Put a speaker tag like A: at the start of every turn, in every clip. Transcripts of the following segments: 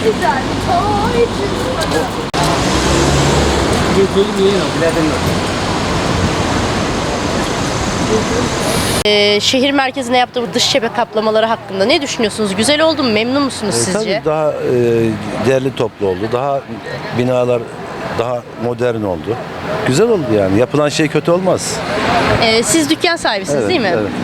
A: güzel toy çıkmadı.
B: Şehir merkezine yaptığı bu dış cephe kaplamaları hakkında ne düşünüyorsunuz? Güzel oldu mu? Memnun musunuz sizce?
C: Tabii daha değerli toplu oldu. Daha binalar daha modern oldu. Güzel oldu yani. Yapılan şey kötü olmaz.
B: Siz dükkan sahibisiniz
C: Evet,
B: değil mi?
C: evet.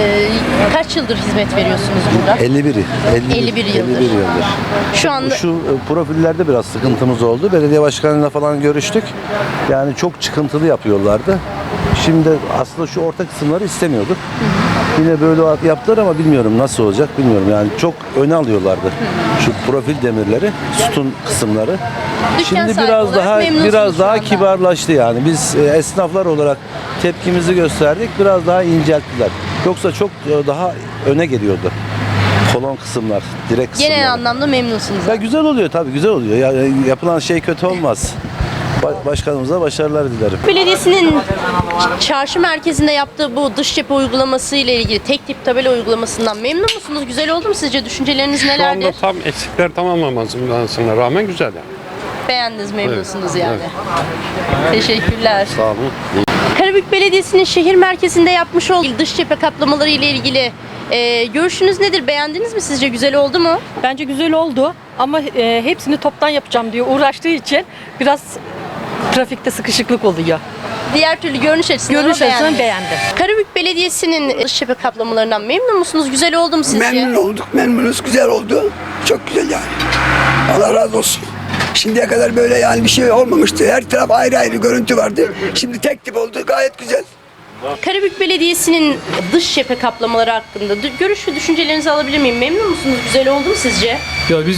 B: Kaç yıldır hizmet veriyorsunuz burada?
C: 51
B: 51 yıldır. Şu anda
C: Şu profillerde biraz sıkıntımız oldu. Belediye başkanıyla falan görüştük. Yani çok çıkıntılı yapıyorlardı. Şimdi aslında şu orta kısımları istemiyorduk. Yine böyle yaptılar ama bilmiyorum nasıl olacak bilmiyorum. Yani çok öne alıyorlardı. Şu profil demirleri, sütun kısımları.
B: Dükkan
C: Şimdi
B: sahibi
C: biraz
B: olarak
C: daha
B: memnunsunuz şu anda.
C: kibarlaştı yani. Biz esnaflar olarak tepkimizi gösterdik. Biraz daha incelttiler. Yoksa çok daha öne geliyordu. Kolon kısımlar, direk kısımlar.
B: genel anlamda memnunsunuz.
C: Ya güzel oluyor tabii güzel oluyor. Yani yapılan şey kötü olmaz. Başkanımıza başarılar dilerim.
B: Belediyesinin çarşı merkezinde yaptığı bu dış cephe uygulaması ile ilgili tek tip tabela uygulamasından memnun musunuz? Güzel oldu mu sizce? Düşünceleriniz
D: Şu
B: nelerdir?
D: anda tam eksikler tamamlamasına rağmen güzel yani.
B: Beğendiniz, memnunsunuz
D: Evet,
B: yani. Teşekkürler.
D: Sağ olun.
B: Karabük Belediyesi'nin şehir merkezinde yapmış olduğu dış cephe kaplamaları ile ilgili görüşünüz nedir? Beğendiniz mi sizce? Güzel oldu mu?
E: Bence güzel oldu ama hepsini toptan yapacağım diye uğraştığı için biraz trafikte sıkışıklık oluyor.
B: Diğer türlü görünüş açısından
E: Görünüş açısından
B: beğendiniz.
E: beğendim.
B: Karabük Belediyesi'nin dış cephe kaplamalarından memnun musunuz? Güzel oldu mu sizce?
F: Memnun olduk, memnunuz, güzel oldu. Çok güzel yani. Allah razı olsun. Şimdiye kadar böyle yani bir şey olmamıştı. Her taraf ayrı ayrı görüntü vardı. Şimdi tek tip oldu, gayet güzel.
B: Karabük Belediyesi'nin dış cephe kaplamaları hakkında görüş ve düşüncelerinizi alabilir miyim? Memnun musunuz? Güzel oldu mu sizce?
G: Ya biz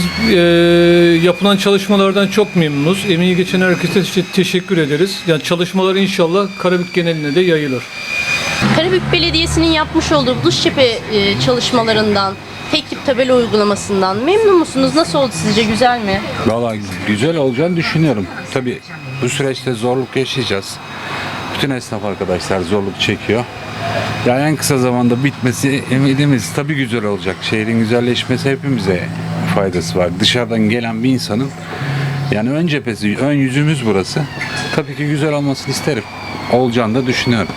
G: yapılan çalışmalardan çok memnunuz. Emeği geçen herkese teşekkür ederiz. Yani çalışmalar inşallah Karabük geneline de yayılır.
B: Karabük Belediyesi'nin yapmış olduğu dış cephe çalışmalarından, tek tip tabela uygulamasından memnun musunuz? Nasıl oldu sizce? Güzel mi?
H: Valla güzel olacağını düşünüyorum. Tabii bu süreçte zorluk yaşayacağız. Bütün esnaf arkadaşlar zorluk çekiyor. Yani en kısa zamanda bitmesi emidimiz. Tabii güzel olacak. Şehrin güzelleşmesi hepimize faydası var. Dışarıdan gelen bir insanın yani ön cephesi, ön yüzümüz burası. Tabii ki güzel olmasını isterim. Olacağını da düşünüyorum.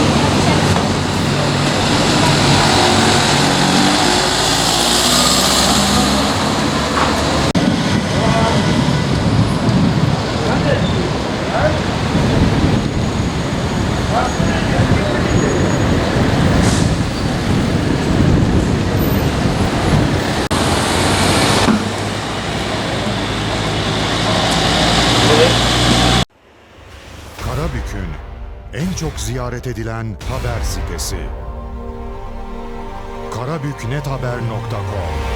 I: Karabük'ün en çok ziyaret edilen haber sitesi. karabüknethaber.com